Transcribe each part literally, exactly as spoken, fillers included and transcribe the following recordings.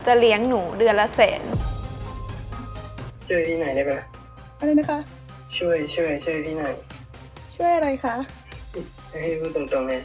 จะเลี้ยงหนูเดือนละแสนช่วยพี่หน่อยได้ไหมอะไรนะคะช่วยช่วยช่วยพี่หน่อยช่วยอะไรคะให้พูดตรงๆเลย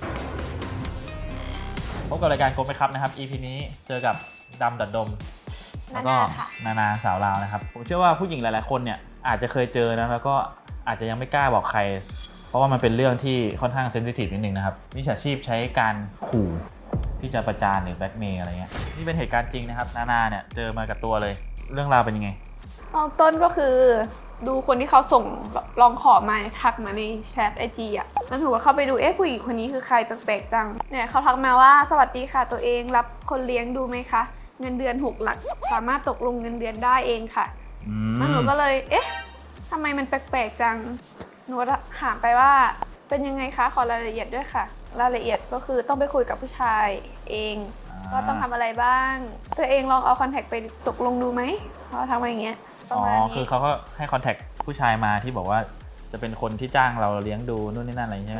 พบกับรายการโกไหมครับนะครับ อี พี นี้เจอกับดำดัดดมแล้วก็นานาสาวลาวนะครับผมเชื่อว่าผู้หญิงหลายๆคนเนี่ยอาจจะเคยเจอนะแล้วก็อาจจะยังไม่กล้าบอกใครเพราะว่ามันเป็นเรื่องที่ค่อนข้างเซนซิทีฟนิดนึงนะครับมิจฉาชีพใช้การขู่ที่จะประจานหรือแบล็กเมย์อะไรเงี้ยนี่เป็นเหตุการณ์จริงนะครับนานาเนี่ยเจอมากับตัวเลยเรื่องราวเป็นยังไงตอนต้นก็คือดูคนที่เขาส่งลองขอมาทักมาในแชทไอจีอ่ะแล้วหนูก็เข้าไปดูเอ๊ะผู้หญิงคนนี้คือใครแปลกๆจังเนี่ยเขาทักมาว่าสวัสดีค่ะตัวเองรับคนเลี้ยงดูไหมคะเงินเดือนหกหลักสามารถตกลงเงินเดือนได้เองค่ะแล้วหนูก็เลยเอ๊ะทำไมมันแปลกๆจังหนูก็ถามไปว่าเป็นยังไงคะขอรายละเอียดด้วยค่ะรายละเอียดก็คือต้องไปคุยกับผู้ชายเองว่าต้องทำอะไรบ้างตัวเองลองเอาคอนแทคไปตกลงดูไหมเขาทำมาอย่างเงี้ยอ๋อคือเขาก็ให้คอนแทคผู้ชายมาที่บอกว่าจะเป็นคนที่จ้างเราเลี้ยงดูนู่นนี่นั่นอะไรใช่ไหม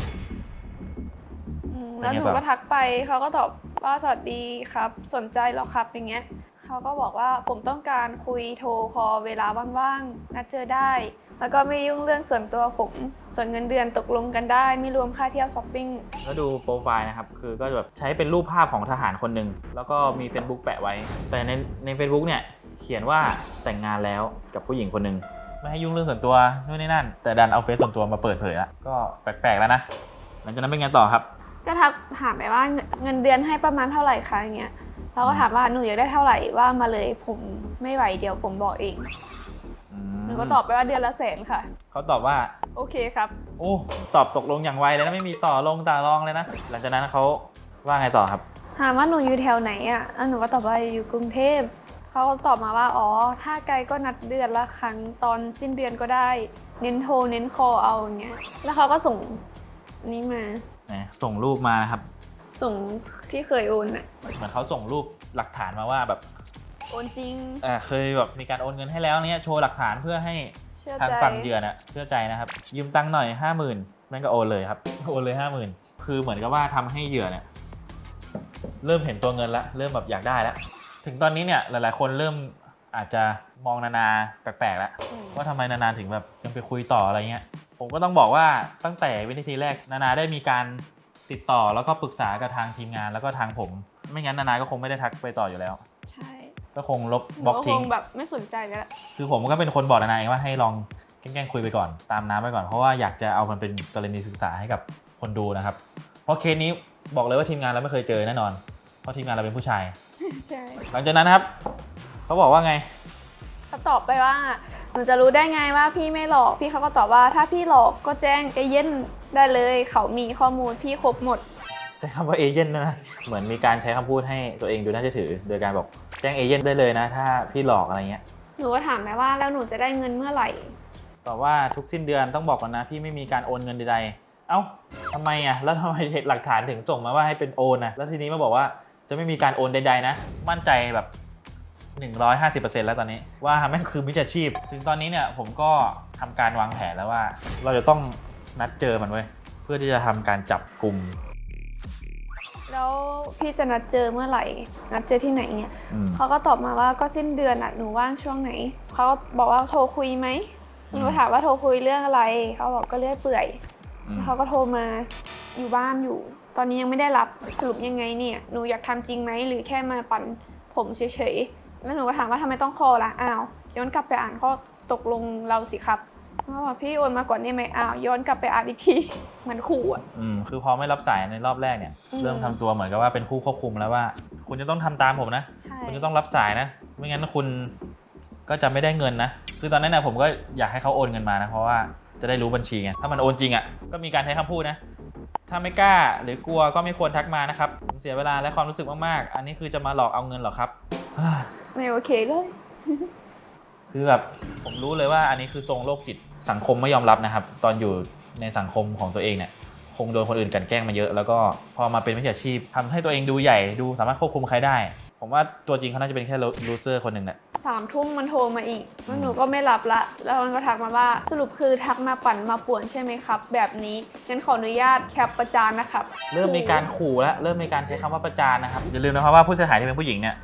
แล้วหนูก็ทักไปเขาก็ตอบว่าสวัสดีครับสนใจหรอครับอย่างเงี้ยเขาก็บอกว่าผมต้องการคุยโทรคอลเวลาว่างๆนัดเจอได้แล้วก็ไม่ยุ่งเรื่องส่วนตัวผมส่วนเงินเดือนตกลงกันได้ไม่รวมค่าเที่ยวช้อปปิ้งแล้วดูโปรไฟล์นะครับคือก็แบบใช้เป็นรูปภาพของทหารคนหนึ่งแล้วก็มี Facebook แปะไว้แต่ในใน Facebook เนี่ยเขียนว่าแต่งงานแล้วกับผู้หญิงคนหนึ่งไม่ให้ยุ่งเรื่องส่วนตัวนู่นนี่นั่นแต่ดันเอาเฟซส่วนตัวมาเปิดเผยละก็แปลกๆแล้วนะหลังจากนั้นเป็นไงต่อครับก็ทักถามไปว่าเงินเดือนให้ประมาณเท่าไหร่คะอย่างเงี้ยเราก็ถามว่าหนูอยากได้เท่าไหร่ว่ามาเลยผมไม่ไหวเดี๋ยวผมบอกเองหนูก็ตอบไปว่าเดือนละแสนค่ะเขาตอบว่าโอเคครับโอ้ตอบตกลงอย่างไวเลยนะไม่มีต่อลงต่อรองเลยนะหลังจากนั้นเขาว่าไงต่อครับถามว่าหนูอยู่แถวไหนอ่ะหนูก็ตอบว่าอยู่กรุงเทพเขาตอบมาว่าอ๋อถ้าไกลก็นัดเดือนละครั้งตอนสิ้นเดือนก็ได้เน้นโทรเน้นคอเอาอย่างเงี้ยแล้วเขาก็ส่งนี้มาส่งรูปมานะครับส่งที่เคยโอนอ่ะเหมือนเขาส่งรูปหลักฐานมาว่าแบบโอนจริงอ่าเคยแบบมีการโอนเงินให้แล้วเนี้ยโชว์หลักฐานเพื่อให้ทางฝั่งเหยื่อน่ะเชื่อใจนะครับยืมตังค์หน่อยห้าหมื่นแม่งก็โอนเลยครับโอนเลยห้าหมื่นคือเหมือนกับว่าทำให้เหยื่อเนี่ยเริ่มเห็นตัวเงินแล้วเริ่มแบบอยากได้แล้วถึงตอนนี้เนี่ยหลายๆคนเริ่มอาจจะมองนานาแปลกๆแล้วว่าทำไมนานาถึงแบบยังไปคุยต่ออะไรเงี้ยผมก็ต้องบอกว่าตั้งแต่วินาทีแรกนานาได้มีการติดต่อแล้วก็ปรึกษากับทางทีมงานแล้วก็ทางผมไม่งั้นนานาก็คงไม่ได้ทักไปต่ออยู่แล้วใช่ก็คงลบบล็อกทิ้งแบบไม่สนใจแล้วคือผมก็เป็นคนบอกนานาเองว่าให้ลองแกล้งคุยไปก่อนตามน้ำไปก่อนเพราะว่าอยากจะเอามันเป็นกรณีศึกษาให้กับคนดูนะครับเพราะเคสนี้บอกเลยว่าทีมงานเราไม่เคยเจอแน่นอนเพราะทีมงานเราเป็นผู้ชายใช่หลังจากนั้นนะครับเขาบอกว่าไงเขาตอบไปว่าหนูจะรู้ได้ไงว่าพี่ไม่หลอกพี่เขาก็ตอบว่าถ้าพี่หลอกก็แจ้งเอเย่นได้เลยเขามีข้อมูลพี่ครบหมดใช้คำว่าเอเย่นนะเหมือนมีการใช้คำพูดให้ตัวเองดูน่าเชื่อถือโดยการบอกแจ้งเอเย่นได้เลยนะถ้าพี่หลอกอะไรเงี้ยหนูก็ถามแม่ว่าแล้วหนูจะได้เงินเมื่อไหร่ตอบว่าทุกสิ้นเดือนต้องบอกก่อนนะพี่ไม่มีการโอนเงินใดๆเอ้าทำไมอ่ะแล้วทำไมหลักฐานถึงส่งมาว่าให้เป็นโอนนะแล้วทีนี้มาบอกว่าจะไม่มีการโอนใดๆนะมั่นใจแบบหนึ่งร้อยห้าสิบเปอร์เซ็นต์ แล้วตอนนี้ว่าแม่งคือมิจฉาชีพถึงตอนนี้เนี่ยผมก็ทำการวางแผนแล้วว่าเราจะต้องนัดเจอมันไว้เพื่อที่จะทำการจับกลุ่มแล้วพี่จะนัดเจอเมื่อไหร่นัดเจอที่ไหนเนี่ยเขาก็ตอบมาว่าก็สิ้นเดือนอ่ะหนูว่างช่วงไหนเขาก็บอกว่าโทรคุยไหมหนูถามว่าโทรคุยเรื่องอะไรเขาบอกก็เรื่อยเปื่อยเขาก็โทรมาอยู่บ้านอยู่ตอนนี้ยังไม่ได้รับสรุปยังไงเนี่ยหนูอยากทำจริงไหมหรือแค่มาปั่นผมเฉยๆแล้วหนูก็ถามว่าทำไมต้องคอล่ะอ้าวย้อนกลับไปอ่านข้อตกลงเราสิครับเขาบอกพี่โอนมาก่อนได้ไหมอ้าวย้อนกลับไปอ่านอีกทีเหมือนขู่อ่ะอืมคือพอไม่รับสายในรอบแรกเนี่ยเริ่มทำตัวเหมือนกับว่าเป็นผู้ควบคุมแล้วว่าคุณจะต้องทำตามผมนะคุณจะต้องรับสายนะไม่งั้นคุณก็จะไม่ได้เงินนะคือตอนนั้นนะผมก็อยากให้เขาโอนเงินมานะเพราะว่าจะได้รู้บัญชีไงถ้ามันโอนจริงอ่ะก็มีการใช้คำพูดนะถ้าไม่กล้าหรือกลัวก็ไม่ควรทักมานะครับเสียเวลาและความรู้สึกมากๆอันนี้คือจะมาหลอกเอาเงินหรอครับไม่โอเคเลยคือแบบผมรู้เลยว่าอันนี้คือทรงโรคจิตสังคมไม่ยอมรับนะครับตอนอยู่ในสังคมของตัวเองเนี่ยคงโดนคนอื่นกลั่นแกล้งมาเยอะแล้วก็พอมาเป็นมิจฉาชีพทำให้ตัวเองดูใหญ่ดูสามารถควบคุมใครได้ผมว่าตัวจริงเขาน่าจะเป็นแค่ลูเซอร์คนหนึ่งแหละสามทุ่มมันโทรมาอีกแล้วหนูก็ไม่รับละแล้วมันก็ทักมาว่าสรุปคือทักมาปั่นมาป่วนใช่ไหมครับแบบนี้งั้นขออนุญาตแคปประจานนะครับเริ่มมีการขู่แล้วเริ่มมีการใช้คำว่าประจานนะครับอย่าลืมนะครับว่าผู้เสียหายที่เป็นผู้หญิงเนี่ย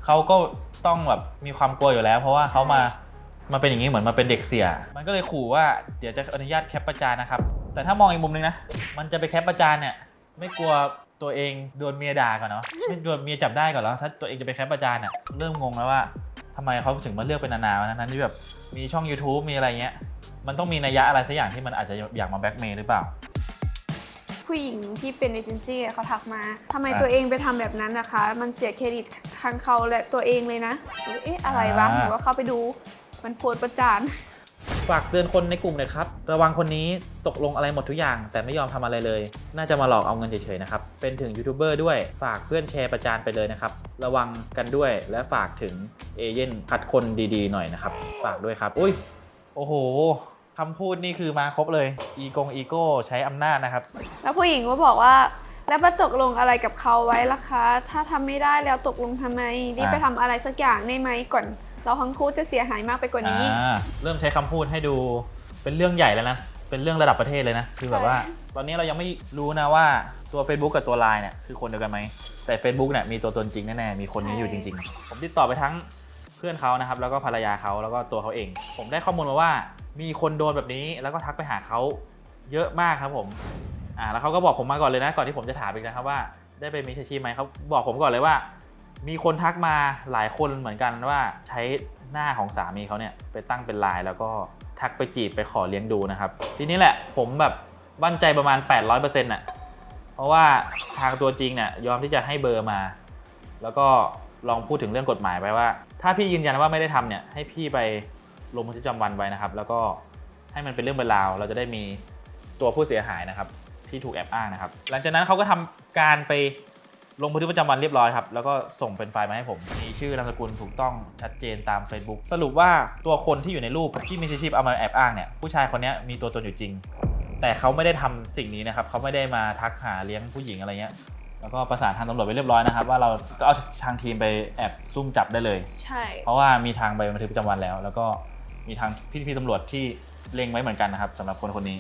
เขาก็ต้องแบบมีความกลัวอยู่แล้ว เพราะว่าเขามามาเป็นอย่างนี้เหมือนมาเป็นเด็กเสียมันก็เลยขู่ว่าเดี๋ยวจะอนุญาตแคปประจานนะครับแต่ถ้ามองอีกมุมนึงนะมันจะไปแคปประจานเนี่ยไม่กลัวตัวเองโดนเมียด่าก่อนเนาะไม่โดนเมียจับได้ก่อนแล้วถ้าตัวเองจะไปแคปประจานเนี่ยเริ่มงงแล้วว่าทำไมเขาถึงมาเลือกเป็นนานๆนั้นที่แบบมีช่อง YouTube มีอะไรเงี้ยมันต้องมีนัยยะอะไรสักอย่างที่มันอาจจะอยากมาแบล็กเมย์หรือเปล่าผู้หญิงที่เป็นเอเจนซี่เขาทักมาทำไมตัวเองไปทำแบบนั้นนะคะมันเสียเครดิตทั้งเขาและตัวเองเลยนะเอ๊ะอะไรวะหนูก็เข้าไปดูมันโพสต์ประจานฝากเตือนคนในกลุ่มเลยครับระวังคนนี้ตกลงอะไรหมดทุกอย่างแต่ไม่ยอมทำอะไรเลยน่าจะมาหลอกเอาเงินเฉยๆนะครับเป็นถึงยูทูบเบอร์ด้วยฝากเพื่อนแชร์ประจานไปเลยนะครับระวังกันด้วยและฝากถึงเอเย่นคัดคนดีๆหน่อยนะครับฝากด้วยครับอุ้ยโอ้โหคำพูดนี่คือมาครบเลยอีกงอีโก้ใช้อำนาจนะครับแล้วผู้หญิงก็บอกว่าแล้วมาตกลงอะไรกับเขาไว้ล่ะคะถ้าทำไม่ได้แล้วตกลงทำไมรีบไปทำอะไรสักอย่างได้ไหมก่อนเราทั้งคู่จะเสียหายมากไปกว่านี้เริ่มใช้คำพูดให้ดูเป็นเรื่องใหญ่แล้วนะเป็นเรื่องระดับประเทศเลยนะคือแบบว่าตอนนี้เรายังไม่รู้นะว่าตัว Facebook กับตัว ไลน์ เนี่ยคือคนเดียวกันไหมแต่ Facebook เนี่ยมีตัวตนจริงแน่ๆมีคนนี้อยู่จริงๆผมติดต่อไปทั้งเพื่อนเขานะครับแล้วก็ภรรยาเขาแล้วก็ตัวเขาเองผมได้ข้อมูลมาว่ามีคนโดนแบบนี้แล้วก็ทักไปหาเขาเยอะมากครับผมอ่าแล้วเขาก็บอกผมมาก่อนเลยนะก่อนที่ผมจะถามอีกนะครับว่าได้ไปมีอาชีพไหมเขาบอกผมก่อนเลยว่ามีคนทักมาหลายคนเหมือนกันว่าใช้หน้าของสามีเขาเนี่ยไปตั้งเป็น ไลน์ แล้วก็ทักไปจีบไปขอเลี้ยงดูนะครับทีนี้แหละผมแบบมั่นใจประมาณ แปดร้อยเปอร์เซ็นต์ น่ะเพราะว่าทางตัวจริงเนี่ยยอมที่จะให้เบอร์มาแล้วก็ลองพูดถึงเรื่องกฎหมายไปว่าถ้าพี่ยืนยันว่าไม่ได้ทำเนี่ยให้พี่ไปลงบันทึกประจำวันไว้นะครับแล้วก็ให้มันเป็นเรื่องเป็นราวเราจะได้มีตัวผู้เสียหายนะครับที่ถูกแอบอ้างนะครับหลังจากนั้นเขาก็ทำการไปลงบันทึกประจำวันเรียบร้อยครับแล้วก็ส่งเป็นไฟล์มาให้ผมมีชื่อนามสกุลถูกต้องชัดเจนตาม Facebook สรุปว่าตัวคนที่อยู่ในรูปที่มีชีพเอามาแอบอ้างเนี่ยผู้ชายคนนี้มีตัวตนอยู่จริงแต่เขาไม่ได้ทำสิ่งนี้นะครับเขาไม่ได้มาทักหาเลี้ยงผู้หญิงอะไรเงี้ยแล้วก็ประสานทางตำรวจไปเรียบร้อยนะครับว่าเราก็เอาทางทีมไปแอบซุ่มจับได้เลยใช่เพราะว่ามีทางใบบันทึกประจำวันแล้วแล้วก็มีทางพี่ๆตำรวจที่เล็งไว้เหมือนกันนะครับสำหรับคนคนนี้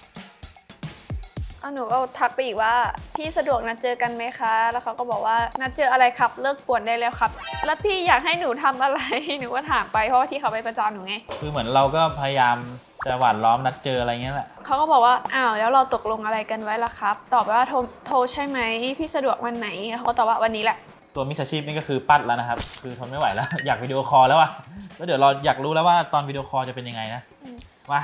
เอาหนูก็ทักไปอีกว่าพี่สะดวกนัดเจอกันไหมคะแล้วเขาก็บอกว่านัดเจออะไรครับเลิกป่วนได้แล้วครับแล้วพี่อยากให้หนูทำอะไรหนูก็ถามไปเพราะว่าที่เขาไปประจานหนูไงคือเหมือนเราก็พยายามจะหว่านล้อมนัดเจออะไรเงี้ยแหละเขาก็บอกว่าอ้าวแล้วเราตกลงอะไรกันไว้ล่ะครับตอบไปว่าโทรโทรใช่ไหมพี่สะดวกวันไหนเขาก็ตอบว่าวันนี้แหละตัวมิจฉาชีพนี่ก็คือปัดแล้วนะครับคือทนไม่ไหวแล้วอยากวิดีโอคอลแล้วอ่ะแล้วเดี๋ยวเราอยากรู้แล้วว่าตอนวิดีโอคอลจะเป็นยังไงนะว่า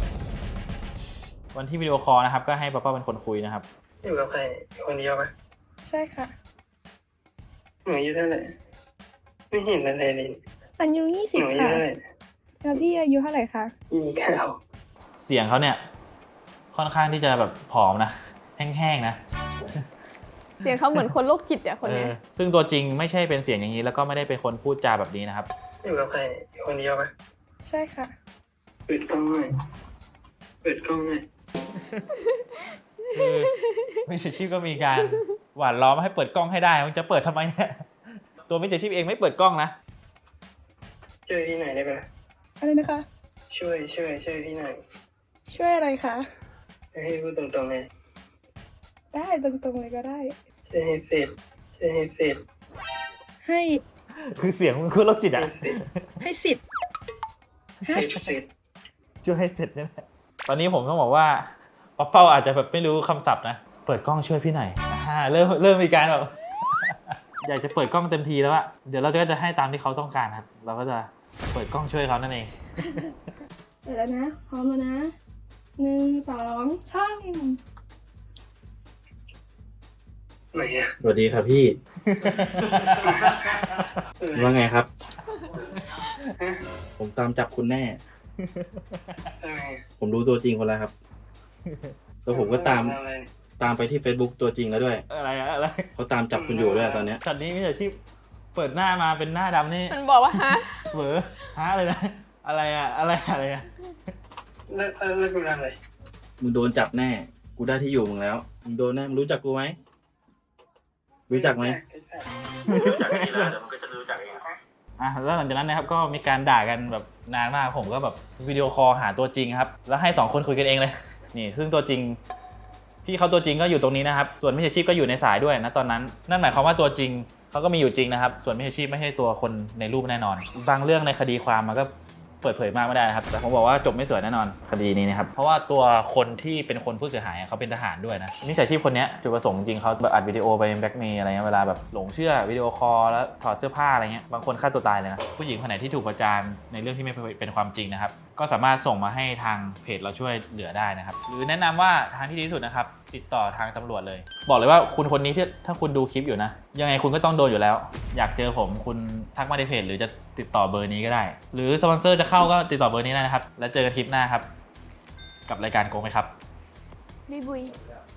วันที่วิดีโอคอลนะครับก็ให้ป้าป้าเป็นคนคุยนะครับอยู่กับใครคนเดียวปะใช่ค่ะหนูอายุเท่าไหร่ไม่เห็นอะไรเลยอายุยี่สิบค่ะแล้วพี่อายุเท่าไหร่คะยี่สิบเก้าเสียงเขาเนี่ยค่อนข้างที่จะแบบผอมนะแห้งๆนะเสียงเขาเหมือนคนโรคจิตอ่ะคนนี้ซึ่งตัวจริงไม่ใช่เป็นเสียงอย่างนี้แล้วก็ไม่ได้เป็นคนพูดจาแบบนี้นะครับอยู่กับใครคนเดียวปะใช่ค่ะเปิดกล้องหน่อยเปิดกล้องหน่อยคือมิจฉาชีพก็มีการหว่านล้อมให้เปิดกล้องให้ได้มันจะเปิดทำไมเนี่ยตัวมิจฉาชีพเองไม่เปิดกล้องนะช่วยพี่หน่อยได้ไหมอะไรนะคะช่วยช่วยช่วยพี่หน่อยช่วยอะไรคะให้พูดตรงๆเลยได้ตรงๆเลยก็ได้ช่วยให้เสร็จช่วยให้เสร็จให้คือเสียงมันคือโรคจิตอ่ะให้สิทธิ์ให้เสร็จช่วยให้เสร็จนี่แหละตอนนี้ผมต้องบอกว่าป๊อปเป้าอาจจะแบบไม่รู้คำศัพท์นะเปิดกล้องช่วยพี่หน่อยอ่าเริ่มเริ่มมีการแบบอยากจะเปิดกล้องเต็มทีแล้วอะเดี๋ยวเราก็จะให้ตามที่เขาต้องการครับเราก็จะเปิดกล้องช่วยเขานั่นเองเปิดแล้วนะพร้อมแล้วนะหนึ่งสองสามไหนอะสวัสดีครับพี่ว่าไงครับผมตามจับคุณแน่ผมรู้ตัวจริงคนแล้วครับแล้วผมก็ตามตามไปที่ Facebook ตัวจริงแล้วด้วยอะไรอะไรเขาตามจับคุณอยู่ด้วยตอนนี้ตอนนี้มิจฉาชีพเปิดหน้ามาเป็นหน้าดำนี่มันบอกว่าฮะเหวอฮะอะไรนะอะไรอะอะไรอะไรอะเลิกเลิกกูทำอะไรมึงโดนจับแน่กูได้ที่อยู่มึงแล้วมึงโดนแน่มึงรู้จักกูไหมรู้จักไหมรู้จักดีแล้วเดี๋ยวมันก็จะรู้จักเองอ่ะแล้วหลังจากนั้นนะครับก็มีการด่ากันแบบนานมากผมก็แบบวิดีโอคอลหาตัวจริงครับแล้วให้สองคนคุยกันเองเลยนี่ซึ่งตัวจริงพี่เขาตัวจริงก็อยู่ตรงนี้นะครับส่วนมิจฉาชีพก็อยู่ในสายด้วยนะตอนนั้นนั่นหมายความว่าตัวจริงเขาก็มีอยู่จริงนะครับส่วนมิจฉาชีพไม่ใช่ตัวคนในรูปแน่นอน บางเรื่องในคดีความมันก็เปิดเผยมากไม่ได้นะครับแต่ผมบอกว่าจบไม่สวยแน่นอนคดีนี้นะครับเพราะว่าตัวคนที่เป็นคนผู้เสียหายเขาเป็นทหารด้วยนะมิจฉาชีพคนนี้จุดประสงค์จริงเขาแบบอัดวิดีโอไปแบล็กเมย์อะไรเงี้ยเวลาแบบหลงเชื่อวิดีโอคอลแล้วถอดเสื้อผ้าอะไรเงี้ยบางคนฆ่าตัวตายเลยนะผู้หญิงคนไหนที่ถูกประจานในเรื่องที่ไม่เป็นความจริงนะครับก็สามารถส่งมาให้ทางเพจเราช่วยเหลือได้นะครับหรือแนะนำว่าทางที่ดีที่สุดนะครับติดต่อทางตำรวจเลยบอกเลยว่าคุณคนนี้ที่ถ้าคุณดูคลิปอยู่นะยังไงคุณก็ต้องโดนอยู่แล้วอยากเจอผมคุณทักมาในเพจหรือจะติดต่อเบอร์นี้ก็ได้หรือสปอนเซอร์จะเข้าก็ติดต่อเบอร์นี้ได้นะครับแล้วเจอกันคลิปหน้าครับกับรายการโกงไหมครับบุยบุย